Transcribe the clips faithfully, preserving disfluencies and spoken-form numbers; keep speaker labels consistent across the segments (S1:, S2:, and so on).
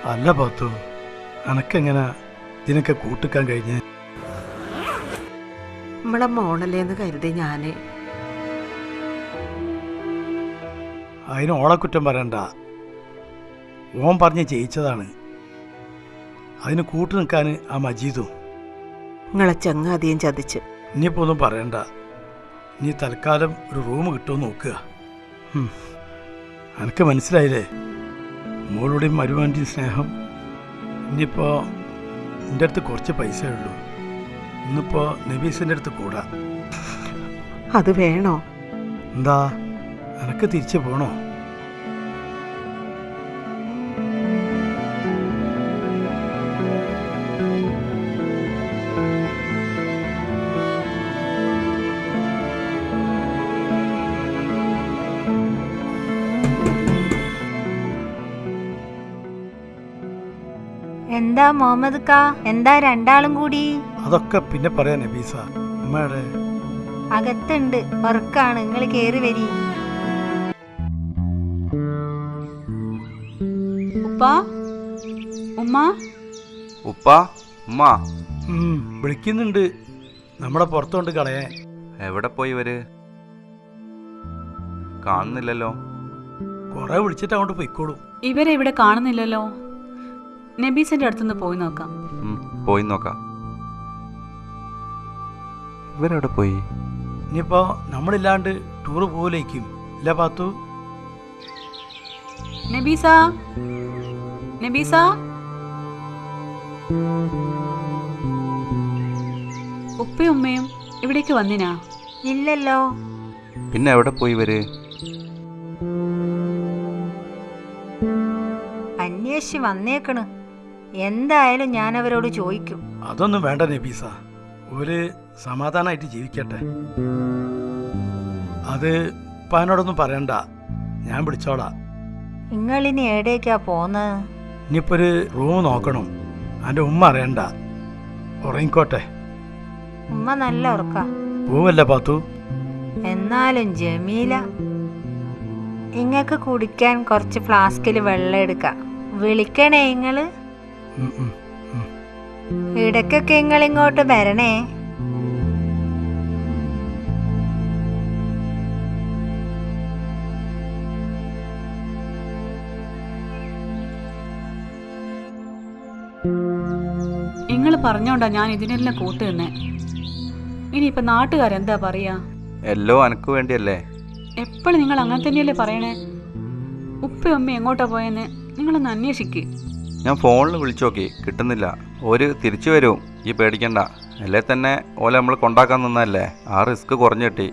S1: അല്ല പാത്തു, അനക്കെങ്ങനെ ഇതിനൊക്കെ കൂട്ടിക്കാൻ കഴിഞ്ഞ്?
S2: നമ്മളെ മോണല്ലേന്ന് കരുതി ഞാന്.
S1: അതിന് ഓളെ കുറ്റം പറയണ്ട. ഓൻ പറഞ്ഞ് ജയിച്ചതാണ്. അതിന് കൂട്ടു നിൽക്കാൻ ആ മജീദും.
S2: നിങ്ങളെ ചങ്ങാതിയും ചതിച്ച്.
S1: ഇനിയിപ്പോൾ ഒന്നും പറയണ്ട. നീ തൽക്കാലം ഒരു റൂം കിട്ടുമെന്ന് നോക്കുക. എനിക്ക് മനസ്സിലായില്ലേ മോളുടെയും മരുവാൻ്റെയും സ്നേഹം. ഇനിയിപ്പോൾ എൻ്റെ അടുത്ത് കുറച്ച് പൈസ ഉള്ളൂ. ഇന്നിപ്പോൾ നബീസിൻ്റെ അടുത്ത് കൂടാ.
S2: അത് വേണോ?
S1: എന്താ, എനക്ക് തിരിച്ചു പോണോ?
S3: എന്താ മുഹമ്മദ് കാ, എന്താ രണ്ടാളും കൂടി?
S1: അതൊക്കെ പിന്നെ പറയാ നബീസ. ഉമ്മയുടെ
S3: അകത്തുണ്ട്, വർക്കാണ്. നിങ്ങൾ കേറി വരി.
S4: ഉപ്പാ, ഉമ്മ,
S5: ഉപ്പാ, ഉമ്മ
S1: വിളിക്കുന്നുണ്ട്. നമ്മളെ പുറത്തോണ്ട് കളയാൻ.
S5: എവിടെ പോയി ഇവര്? കാണുന്നില്ലല്ലോ.
S1: കൊറേ വിളിച്ചിട്ട് അങ്ങോട്ട് പോയിക്കോളൂ.
S4: ഇവരെ ഇവിടെ കാണുന്നില്ലല്ലോ. നബീസിന്റെ അടുത്തുനിന്ന് പോയി നോക്കാം.
S5: പോയി നോക്കാം. ഇവരെവിടെ പോയി?
S1: ഇനിയിപ്പോ നമ്മളില്ലാണ്ട് ടൂറ് പോലേക്കും ഇല്ല പാത്തു?
S4: നബീസ, നബീസ, ഉപ്പയും ഉമ്മയും ഇവിടേക്ക് വന്നിനാ?
S3: ഇല്ലല്ലോ.
S5: പിന്നെ എവിടെ പോയി ഇവര്?
S3: അന്വേഷിച്ച് വന്നേക്കണ്. എന്തായാലും ഞാൻ അവരോട് ചോദിക്കും.
S1: അതൊന്നും വേണ്ട നബീസ, ഒരു സമാധാനമായിട്ട് ജീവിക്കട്ടെ. അത് ഉപ്പാനോടൊന്നും പറയണ്ട, ഞാൻ വിളിച്ചോളാം.
S3: നിങ്ങളിനി എവിടേക്കാ പോന്ന്?
S1: ഇനിയിപ്പോ ഒരു റൂം നോക്കണം. എൻ്റെ ഉമ്മ അറിയണ്ട, ഉറങ്ങിക്കോട്ടെ.
S3: ഉമ്മ നല്ല ഉറക്ക.
S1: പോവല്ല പാത്തു?
S3: എന്നാലും ജമീല, ഇങ്ങക്ക് കുടിക്കാൻ കുറച്ച് ഫ്ലാസ്കിൽ വെള്ളം എടുക്കാം. വിളിക്കണേ നിങ്ങള്. ഇടയ്ക്കൊക്കെ നിങ്ങൾ ഇങ്ങോട്ട് വരണേ.
S4: നിങ്ങൾ പറഞ്ഞോണ്ടാ ഞാൻ ഇതിനെല്ലാം കൂട്ടു നിന്നേ. ഇനിയിപ്പൊ നാട്ടുകാരെന്താ പറയാ?
S5: എല്ലോ അനക്ക് വേണ്ടിയല്ലേ.
S4: എപ്പോഴും നിങ്ങൾ അങ്ങനെ തന്നെയല്ലേ പറയണേ. ഉപ്പയും ഉമ്മ എങ്ങോട്ടാ പോയെന്ന് നിങ്ങളൊന്ന് അന്വേഷിക്ക്.
S5: ഞാൻ ഫോണിൽ വിളിച്ചു നോക്കി, കിട്ടുന്നില്ല. ഒരു തിരിച്ചു വരും, ഈ പേടിക്കണ്ട. അല്ലേ തന്നെ ഓലെ നമ്മൾ കൊണ്ടാക്കാൻ നിന്നല്ലേ, ആ റിസ്ക് കുറഞ്ഞു കിട്ടി.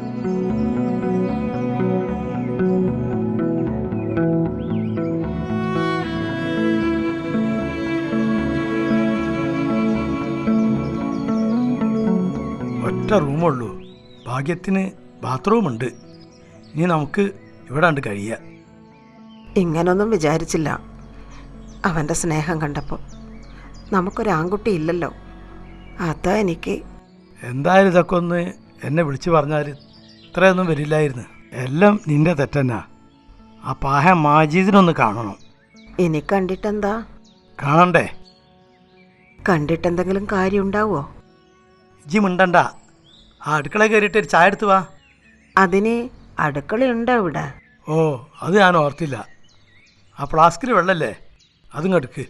S1: ഒറ്റ റൂമുള്ളൂ, ഭാഗ്യത്തിന് ബാത്റൂമുണ്ട്. ഇനി നമുക്ക് ഇവിടെ ഉണ്ട് കഴിയാം.
S2: ഇങ്ങനൊന്നും വിചാരിച്ചില്ല അവൻ്റെ സ്നേഹം കണ്ടപ്പോൾ. നമുക്കൊരാൺകുട്ടി ഇല്ലല്ലോ, അതാ എനിക്ക്.
S1: എന്തായാലും ഇതൊക്കെ ഒന്ന് എന്നെ വിളിച്ചു പറഞ്ഞാൽ ഇത്രയൊന്നും വരില്ലായിരുന്നു. എല്ലാം നിന്റെ തെറ്റന്നാ. ആ പാഹ മാജീദിനൊന്ന് കാണണം.
S2: ഇനി കണ്ടിട്ടെന്താ?
S1: കാണണ്ടേ?
S2: കണ്ടിട്ടെന്തെങ്കിലും കാര്യം ഉണ്ടാവോ?
S1: ഇജ്ജി മിണ്ടണ്ട. ആ അടുക്കള കയറിയിട്ട് ഒരു ചായ എടുത്ത് വാ.
S2: അതിന് അടുക്കളയുണ്ടോ ഇവിടെ?
S1: ഓ, അത് ഞാൻ ഓർത്തില്ല. ആ ഫ്ലാസ്കിൽ വെള്ളല്ലേ, അതും എടുക്ക്.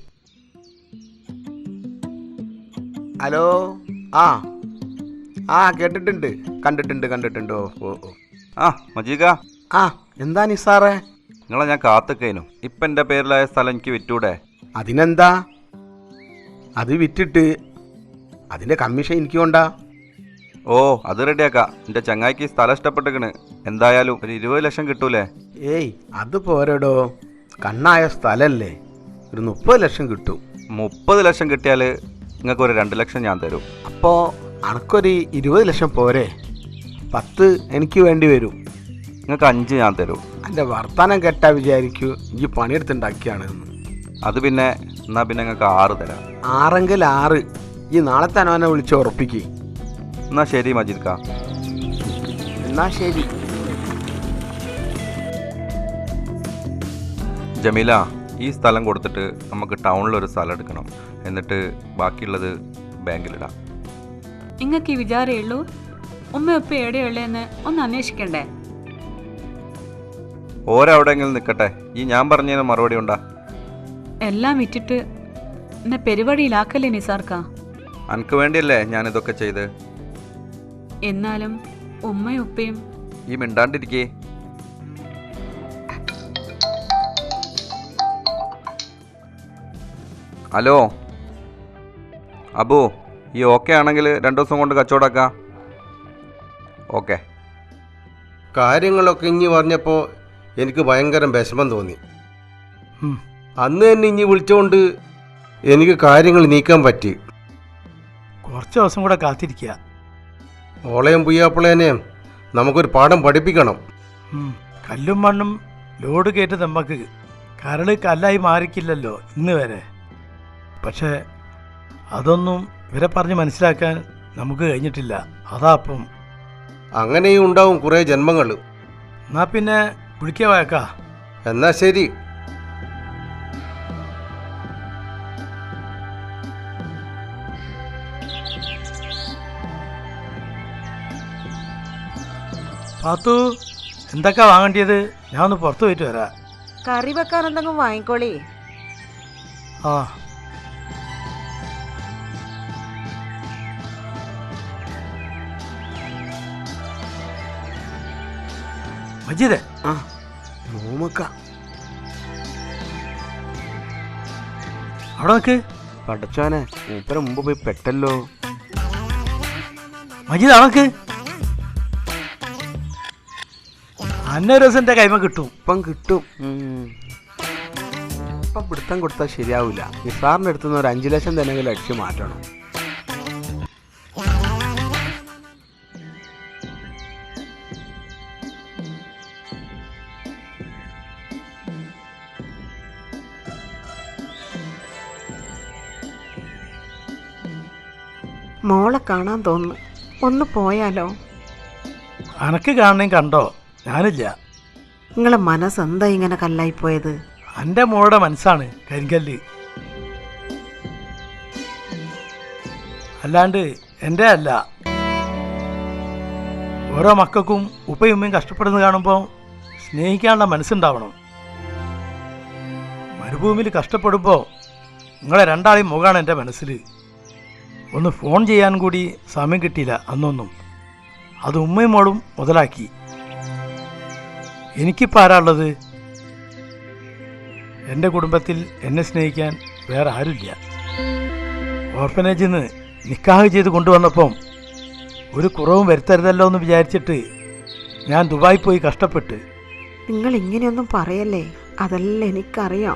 S6: ഹലോ. ആ ആ കേട്ടിട്ടുണ്ട്, കണ്ടിട്ടുണ്ട് കണ്ടിട്ടുണ്ട്. ഓ ഓ ഓ
S5: ആ മജീക.
S6: ആ എന്താ നിസാറേ?
S5: നിങ്ങളെ ഞാൻ കാത്തുക്കൈനും. ഇപ്പം എൻ്റെ പേരിലായ സ്ഥലം എനിക്ക് വിറ്റൂടെ?
S6: അതിനെന്താ, അത് വിറ്റിട്ട് അതിൻ്റെ കമ്മീഷൻ എനിക്ക് കൊണ്ടാ.
S5: ഓ, അത് റെഡിയാക്കാം. എൻ്റെ ചങ്ങായിക്ക് സ്ഥലം ഇഷ്ടപ്പെട്ടിക്കണ്. എന്തായാലും ഒരു ഇരുപത് ലക്ഷം കിട്ടൂലേ?
S6: ഏയ് അത് പോരടോ, കണ്ണായ സ്ഥലല്ലേ, ഒരു മുപ്പത് ലക്ഷം കിട്ടും.
S5: മുപ്പത് ലക്ഷം കിട്ടിയാൽ നിങ്ങൾക്ക് ഒരു രണ്ട് ലക്ഷം ഞാൻ തരും.
S6: അപ്പോൾ അനക്കൊരു ഇരുപത് ലക്ഷം പോരെ? പത്ത് എനിക്ക് വേണ്ടി വരും.
S5: നിങ്ങൾക്ക് അഞ്ച് ഞാൻ തരും.
S6: എൻ്റെ വർത്തമാനം കേട്ടാ വിചാരിക്കൂ ഈ പണിയെടുത്തുണ്ടാക്കിയാണ്.
S5: അത് പിന്നെ എന്നാൽ പിന്നെ നിങ്ങൾക്ക് ആറ് തരാം.
S6: ആറെങ്കിൽ ആറ്. ഈ നാളെ തന്നെ അവനെ വിളിച്ച് ഉറപ്പിക്കുക.
S5: എന്നാൽ ശരി മജീദ് കാ.
S6: എന്നാ ശരി.
S5: ജമീല, ഈ സ്ഥലം കൊടുത്തിട്ട് നമുക്ക് ടൗണിലൊരു സ്ഥലം എടുക്കണം. എന്നിട്ട് ബാക്കിയുള്ളത് ബാങ്കിലിടാം.
S4: നിങ്ങൾക്ക് ഈ വിചാരമേ ഉള്ളൂ? ഉമ്മ ഉപ്പ എവിടെയുള്ളതെന്ന് ഒന്ന് അന്വേഷിക്കണ്ടേ?
S5: ഓരെവിടെയെങ്കിലും നിൽക്കട്ടെ, ഈ ഞാൻ പറഞ്ഞതിന് മറുപടി ഉണ്ടാ?
S4: എല്ലാം വിറ്റിട്ട് എന്നെ പരിപാടിയിലാക്കല്ലേ നിസാർക്ക?
S5: അനക്ക് വേണ്ടിയല്ലേ ഞാനിതൊക്കെ ചെയ്ത്.
S4: എന്നാലും ഉമ്മയും ഉപ്പയും
S5: ഈ മിണ്ടാണ്ടിരിക്കേ. ഹലോ അബു, ഈ ഓക്കെ ആണെങ്കിൽ രണ്ടു ദിവസം കൊണ്ട് കച്ചവടമാക്കാം. ഓക്കെ.
S6: കാര്യങ്ങളൊക്കെ ഇഞ്ഞി പറഞ്ഞപ്പോൾ എനിക്ക് ഭയങ്കര വിഷമം തോന്നി.
S1: ഉം.
S6: അന്ന് തന്നെ ഇഞ്ഞി വിളിച്ചുകൊണ്ട് എനിക്ക് കാര്യങ്ങൾ നീക്കാൻ പറ്റി.
S1: കുറച്ച് ദിവസം കൂടെ കാത്തിരിക്കുക.
S6: ഓളയും പുയ്യാപ്പിളേനെയും നമുക്കൊരു പാഠം പഠിപ്പിക്കണം.
S1: ഉം. കല്ലും മണ്ണും ലോഡ് കയറ്റി നമുക്ക് കരള് കല്ലായി മാറിക്കില്ലല്ലോ ഇന്ന് വരെ. പക്ഷേ അതൊന്നും ഇവരെ പറഞ്ഞ് മനസ്സിലാക്കാൻ നമുക്ക് കഴിഞ്ഞിട്ടില്ല. അതാ അപ്പം.
S6: അങ്ങനെയും ഉണ്ടാവും കുറേ ജന്മങ്ങൾ.
S1: എന്നാ പിന്നെ വിളിക്കുക വയക്കാ.
S6: എന്നാ ശരി.
S1: പാത്തു, എന്തൊക്കെ വാങ്ങേണ്ടത്? ഞാൻ ഒന്ന് പുറത്ത് പോയിട്ട് വരാം.
S2: കറി വെക്കാൻ എന്തെങ്കിലും വാങ്ങിക്കോളി.
S1: ആ മജീദേ,
S6: ആ നോമക്ക
S1: അവിടെ നിൽക്ക്.
S6: പടച്ചോനെ, മൂപ്പര മുമ്പ് പോയി പെട്ടല്ലോ.
S1: മജീദ് അവിടെ നിൽക്ക്. അന്ന രസം എൻ്റെ കൈമ കിട്ടും.
S6: ഇപ്പം കിട്ടും. ഇപ്പം പിടുത്തം കൊടുത്താൽ ശരിയാവില്ല. നിസാറിൻ്റെ അടുത്ത് നിന്ന് ഒരു അഞ്ചു ലക്ഷം തന്നെങ്കിലും അടിച്ചു മാറ്റണം.
S2: മോളെ കാണാൻ തോന്നുന്നു. ഒന്ന് പോയാലോ?
S1: അനക്ക് കാണണേ കണ്ടോ? ഞാനില്ല.
S2: നിങ്ങളെ മനസ്സെന്താ ഇങ്ങനെ കല്ലായിപ്പോയത്?
S1: എൻ്റെ മോളുടെ മനസ്സാണ് കരിങ്കല്ല്, അല്ലാണ്ട് എൻ്റെ അല്ല. ഓരോ മക്കൾക്കും ഉപ്പയും ഉമ്മയും കഷ്ടപ്പെടുന്നത് കാണുമ്പോൾ സ്നേഹിക്കാനുള്ള മനസ്സുണ്ടാവണം. മരുഭൂമിയിൽ കഷ്ടപ്പെടുമ്പോൾ നിങ്ങളെ രണ്ടാളെയും മുഖമാണ് എൻ്റെ മനസ്സിൽ. ഒന്ന് ഫോൺ ചെയ്യാൻ കൂടി സമയം കിട്ടിയില്ല അന്നൊന്നും. അത് ഉമ്മയും മോളും മുതലാക്കി. എനിക്കിപ്പോൾ ആരാ ഉള്ളത്? എൻ്റെ കുടുംബത്തിൽ എന്നെ സ്നേഹിക്കാൻ വേറെ ആരുമില്ല. ഓർഫനേജിൽ നിന്ന് നിക്കാഹ് ചെയ്ത് കൊണ്ടുവന്നപ്പം ഒരു കുറവും വരുത്തരുതല്ലോ എന്ന് വിചാരിച്ചിട്ട് ഞാൻ ദുബായി പോയി കഷ്ടപ്പെട്ട്.
S2: നിങ്ങൾ ഇങ്ങനെയൊന്നും പറയല്ലേ, അതെല്ലാം എനിക്കറിയാം.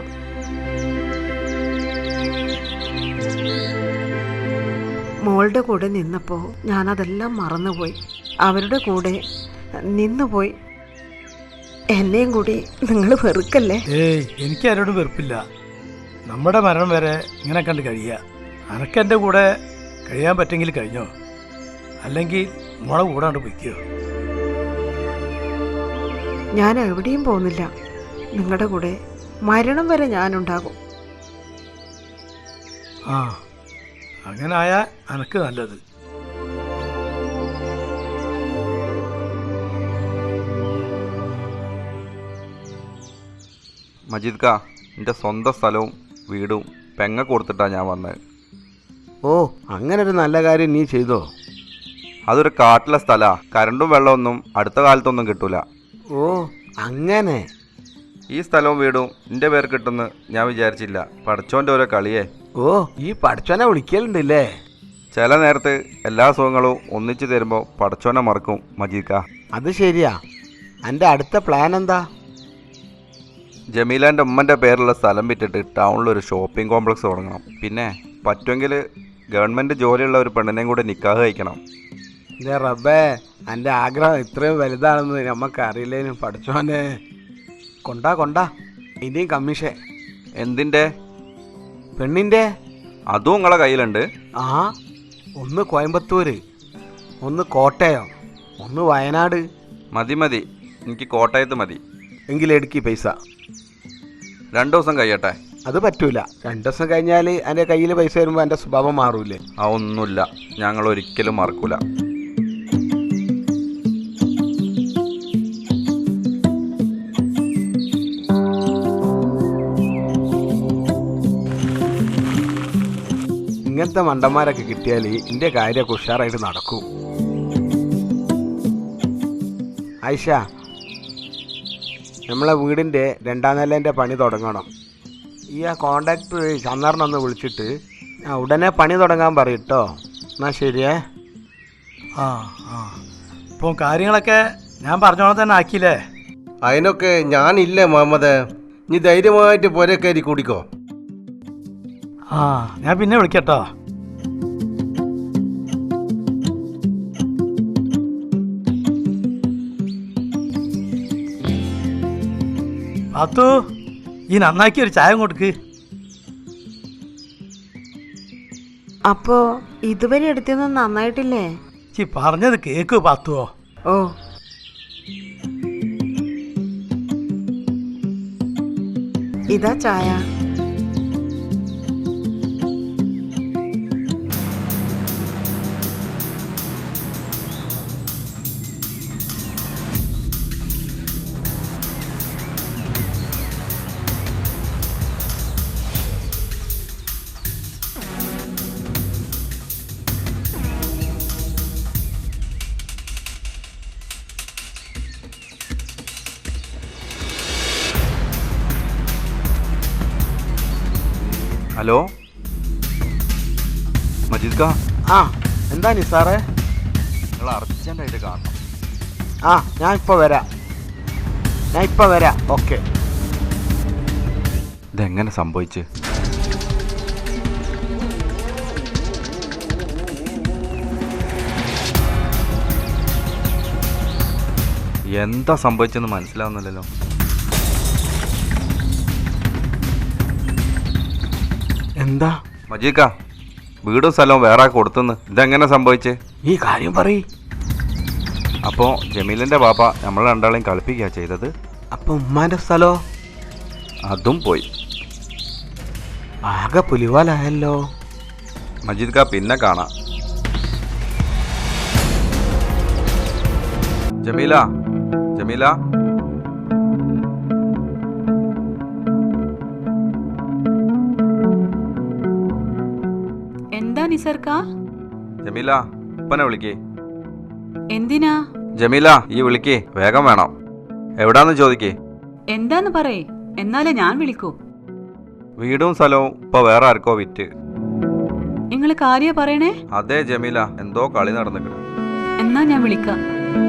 S2: മോളുടെ കൂടെ നിന്നപ്പോൾ ഞാനതെല്ലാം മറന്നുപോയി. അവരുടെ കൂടെ നിന്നുപോയി. എന്നെയും കൂടി നിങ്ങൾ വെറുക്കല്ലേ.
S1: ഏയ്, എനിക്ക് ആരോടും വെറുപ്പില്ല. നമ്മുടെ മരണം വരെ ഇങ്ങനെ കണ്ട് കഴിയുക. അനക്കെൻ്റെ കൂടെ കഴിയാൻ പറ്റെങ്കിൽ കഴിഞ്ഞോ, അല്ലെങ്കിൽ മോളെ കൂടാണ്ട് പൊയ്ക്കോ.
S2: ഞാൻ എവിടെയും പോകുന്നില്ല. നിങ്ങളുടെ കൂടെ മരണം വരെ ഞാനുണ്ടാകും.
S1: ആ, അങ്ങനെ ആയാൽ അനക്ക് നല്ലത്.
S5: മജീദ് കാ, എൻ്റെ സ്വന്തം സ്ഥലവും വീടും പെങ്ങ കൊടുത്തിട്ടാണ് ഞാൻ വന്നത്.
S6: ഓ, അങ്ങനെ ഒരു നല്ല കാര്യം നീ ചെയ്തോ?
S5: അതൊരു കാട്ടിലെ സ്ഥലമാണ്. കരണ്ടും വെള്ളമൊന്നും അടുത്ത കാലത്തൊന്നും കിട്ടൂല.
S6: ഓ, അങ്ങനെ.
S5: ഈ സ്ഥലവും വീടും എൻ്റെ പേര് കിട്ടുമെന്ന് ഞാൻ വിചാരിച്ചില്ല. പഠിച്ചോൻ്റെ ഓരോ കളിയേ.
S6: ഓ, ഈ പഠിച്ചോനെ വിളിക്കലുണ്ടല്ലേ?
S5: ചില നേരത്ത് എല്ലാ സുഖങ്ങളും ഒന്നിച്ചു തരുമ്പോൾ പഠിച്ചോനെ മറക്കും മജീദ് കാ.
S6: അത് ശരിയാ. എൻ്റെ അടുത്ത പ്ലാൻ എന്താ?
S5: ജമീലാൻ്റെ ഉമ്മൻ്റെ പേരുള്ള സ്ഥലം വിറ്റിട്ട് ടൗണിലൊരു ഷോപ്പിംഗ് കോംപ്ലക്സ് തുടങ്ങണം. പിന്നെ പറ്റുമെങ്കിൽ ഗവൺമെൻറ് ജോലിയുള്ള ഒരു പെണ്ണിനെയും കൂടെ നിക്കാഹ് കഴിക്കണം.
S6: എൻ്റെ റബ്ബേ, എൻ്റെ ആഗ്രഹം ഇത്രയും വലുതാണെന്ന് നമുക്ക് അറിയില്ലേനു. പഠിച്ചോനെ കൊണ്ടാ കൊണ്ടാ ഇനിയും കമ്മീഷൻ.
S5: എന്തിൻ്റെ?
S6: പെണ്ണിൻ്റെ.
S5: അതും നിങ്ങളെ കയ്യിലുണ്ട്?
S6: ആ, ഒന്ന് കോയമ്പത്തൂർ, ഒന്ന് കോട്ടയം, ഒന്ന് വയനാട്.
S5: മതി മതി, എനിക്ക് കോട്ടയത്ത് മതി.
S6: എങ്കിലെടുക്കി പൈസ.
S5: രണ്ടു ദിവസം കഴിയട്ടെ.
S6: അത് പറ്റൂല. രണ്ടു ദിവസം കഴിഞ്ഞാൽ എൻ്റെ കയ്യിൽ പൈസ വരുമ്പോൾ എൻ്റെ സ്വഭാവം മാറൂലേ?
S5: ആ ഒന്നുമില്ല, ഞങ്ങൾ ഒരിക്കലും മറക്കൂല.
S6: ഇങ്ങനത്തെ മണ്ടന്മാരൊക്കെ കിട്ടിയാൽ എൻ്റെ കാര്യമൊക്കെ ഉഷാറായിട്ട് നടക്കും. ആയിഷ, നമ്മളെ വീടിൻ്റെ രണ്ടാം നിലേൻ്റെ പണി തുടങ്ങണം. ഈ ആ കോണ്ടാക്ട് ചന്ദ്രനൊന്ന് വിളിച്ചിട്ട് ആ ഉടനെ പണി തുടങ്ങാൻ പറയും കേട്ടോ. എന്നാൽ ശരിയേ.
S1: ആ ആ ഇപ്പോൾ കാര്യങ്ങളൊക്കെ ഞാൻ പറഞ്ഞോളം തന്നെ ആക്കിയില്ലേ?
S7: അതിനൊക്കെ ഞാനില്ലേ മുഹമ്മദ്, നീ ധൈര്യമായിട്ട് പോരെ കയറി കൂടിക്കോ.
S1: ആ ഞാൻ പിന്നെ വിളിക്കട്ടോ. പാത്തു, ഈ നന്നാക്കി ഒരു ചായ കൊടുക്ക്.
S2: അപ്പോ ഇതുവരെ എടുത്തൊന്നും നന്നായിട്ടില്ലേ?
S1: ചി പറഞ്ഞത് കേക്ക് പാത്തുവോ?
S2: ഓ, ഇതാ ചായ.
S5: ഹലോ മജീദ് കാ,
S6: ആ എന്താ നിസാറേ?
S5: നിങ്ങൾ അർജൻറ്റായിട്ട് കാണണം.
S6: ആ ഞാൻ ഇപ്പോൾ വരാം, ഞാൻ ഇപ്പോൾ വരാം. ഓക്കെ.
S5: ഇതെങ്ങനെ സംഭവിച്ച്? എന്താ സംഭവിച്ചെന്ന് മനസ്സിലാവുന്നില്ലല്ലോ.
S6: എന്താ
S5: മജീദ് കാ, വീടും സ്ഥലവും വേറെ കൊടുത്തുന്ന് ഇതെങ്ങനെ സംഭവിച്ചേ?
S6: ഈ കാര്യം പറയ്.
S5: അപ്പോൾ ജമീലിൻ്റെ പാപ്പ നമ്മൾ രണ്ടാളെയും കളിപ്പിക്കുക ചെയ്തത്.
S6: അപ്പം ഉമ്മാൻ്റെ സ്ഥലോ?
S5: അതും പോയി.
S6: ആകെ പുലിവാലായല്ലോ.
S5: മജീദ് കാ, പിന്നെ കാണാം. ജമീല, ജമീല,
S4: എന്താ നിസർക്ക?
S5: ജമീല, ഉപ്പനെ വിളിക്കേ.
S4: എന്തിനാ?
S5: ജമീല, ഈ വിളിക്കേ, വേഗം വേണം. എവിടാന്ന് ചോദിക്കേ.
S4: എന്താന്ന് പറയേ, എന്നാലേ ഞാൻ വിളിക്കൂ.
S5: വീടും സ്ഥലവും ഇപ്പൊ വേറെ ആർക്കോ വിറ്റ്.
S4: നിങ്ങൾ കാര്യ പറയണേ?
S5: അതെ ജമീല, എന്തോ കളി നടന്നിട്ടുണ്ട്.
S4: എന്നാ ഞാൻ വിളിക്കാം.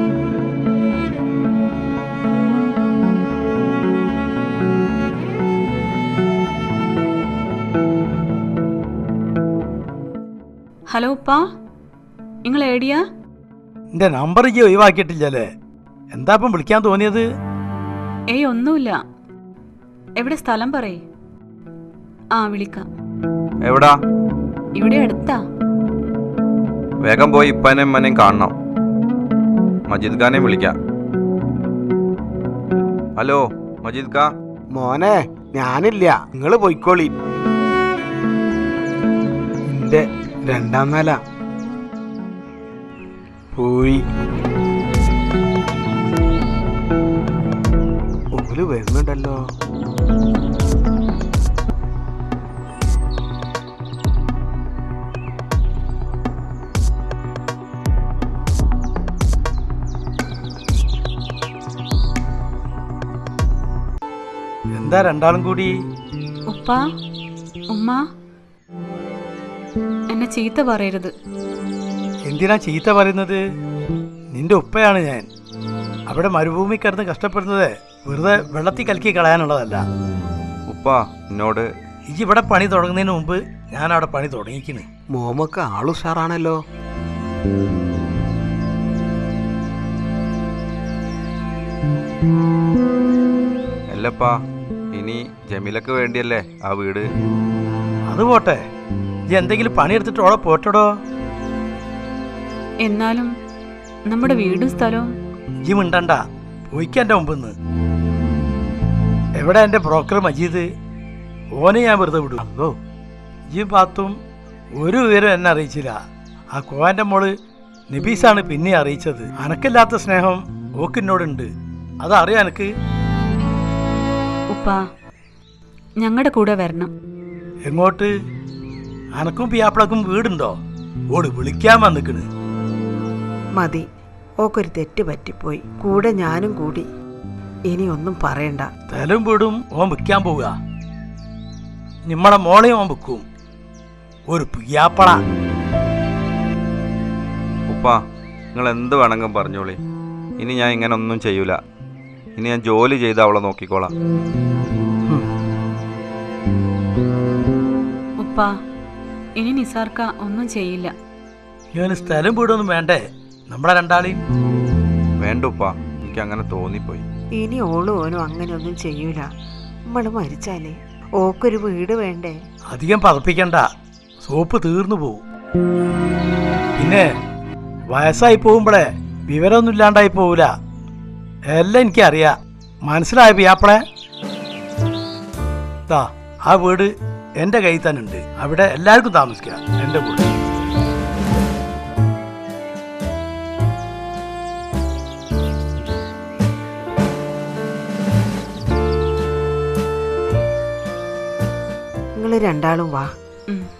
S4: ഹലോ ഉപ്പാ, നിങ്ങൾ ഏടിയാ?
S1: എൻ്റെ നമ്പർ ഈ ഒഴിവാക്കിയിട്ടില്ലല്ലേ? എന്താ ഇപ്പം വിളിക്കാൻ തോന്നിയത്?
S4: ഏയ് ഒന്നുമില്ല. എവിടെ സ്ഥലം പറയേ. ആ വിളിക്കാം.
S5: എവിടാ?
S4: ഇവിടെ അടുത്താ.
S5: വേഗം പോയി ഇപ്പനെയും ഉമ്മനെയും കാണണം. മജീദ് ഖാനെയും വിളിക്കാം. ഹലോ മജീദ് ഖാ.
S6: മോനെ, ഞാനില്ല, നിങ്ങൾ പോയിക്കോളി. എൻ്റെ രണ്ടാം നില പോയി. ഓല് വരുന്നുണ്ടല്ലോ.
S1: എന്താ രണ്ടാളും കൂടി?
S4: ഉപ്പ, ഉമ്മ, എന്നെ ചീത്ത പറയരുത്.
S1: എന്തിനാ ചീത്ത പറയുന്നത്? നിന്റെ ഉപ്പയാണ് ഞാൻ. അവിടെ മരുഭൂമി കിടന്ന് കഷ്ടപ്പെടുന്നത് വെറുതെ വെള്ളത്തിൽ കലക്കി കളയാനുള്ളതല്ല.
S5: ഉപ്പ എന്നോട്
S1: ഈ ഇവിടെ പണി തുടങ്ങുന്നതിന് മുമ്പ് ഞാൻ അവിടെ പണി തുടങ്ങിക്കുന്നു.
S6: മോമക്ക് ആളുഷാറാണല്ലോ.
S5: അല്ലപ്പാ, ഇനി ജമീലക്ക് വേണ്ടിയല്ലേ ആ വീട്.
S1: അത് പോട്ടെ, ഈ എന്തെങ്കിലും പണിയെടുത്തിട്ട് ഓളെ പോട്ടടോ.
S4: എന്നാലും നമ്മുടെ വീടും സ്ഥലവും.
S1: ഈ മിണ്ടണ്ട, പോയിക്കാൻ എൻ്റെ മുമ്പിന്ന്. എവിടെ എൻ്റെ ബ്രോക്കർ മജീദ്? ഓനെ ഞാൻ വെറുതെ വിടും. അല്ലോ ഈ പാത്തും ഒരു വിവരം എന്നെ അറിയിച്ചില്ല. ആ കോവൻ്റെ മോള് നബീസാണ് പിന്നെ അറിയിച്ചത്. അനക്കില്ലാത്ത സ്നേഹം ഓക്കിന്നോടുണ്ട്, അതറിയാം എനിക്ക്.
S4: ഉപ്പ ഞങ്ങളുടെ കൂടെ വരണം.
S1: എങ്ങോട്ട്? അനക്കും പിയാപ്പിളക്കും വീടുണ്ടോ? ഓട് വിളിക്കാൻ വന്നിക്കണ്.
S2: മതി, ഓക്കൊരു തെറ്റ് പറ്റിപ്പോയി. കൂടെ ഞാനും കൂടി. ഇനി ഒന്നും പറയണ്ട.
S1: സ്ഥലം വീടും ഓൻ വിൽക്കാൻ പോവുക. നിമ്മടെ മോളെയും ഓൻ വിൽക്കും. ഒരു പിയാപ്പള.
S5: ഉപ്പ നിങ്ങൾ എന്ത് വേണമെങ്കിലും പറഞ്ഞോളി. ഇനി ഞാൻ ഇങ്ങനെ ഒന്നും ചെയ്യൂല. ഇനി ഞാൻ ജോലി ചെയ്ത് അവളെ നോക്കിക്കോളാം.
S4: ഉപ്പ ഇനി നിസാർക്ക ഒന്നും ചെയ്യില്ല.
S1: ഞാൻ സ്ഥലം വീടൊന്നും വേണ്ടേ നമ്മളെ രണ്ടാളെയും?
S5: വേണ്ട ഉപ്പ, എനിക്ക് അങ്ങനെ തോന്നിപ്പോയി.
S2: ഇനി ഓളും ഓനും അങ്ങനെയൊന്നും ചെയ്യൂല. നമ്മള് മരിച്ചാലേ ഓക്കൊരു വീട് വേണ്ടേ?
S1: അധികം പതപ്പിക്കണ്ട, സോപ്പ് തീർന്നു പോവും. പിന്നെ വയസ്സായി പോകുമ്പോഴേ വിവരമൊന്നും ഇല്ലാണ്ടായി പോവില്ല. എല്ലാം എനിക്കറിയാം. മനസ്സിലായ പിയാപ്പളെ? ദാ ആ വീട് എൻ്റെ കയ്യിൽ തന്നെ ഉണ്ട്. അവിടെ എല്ലാവർക്കും താമസിക്കാം എൻ്റെ വീട്.
S2: നിങ്ങൾ രണ്ടാളും വാ.
S4: ഉം.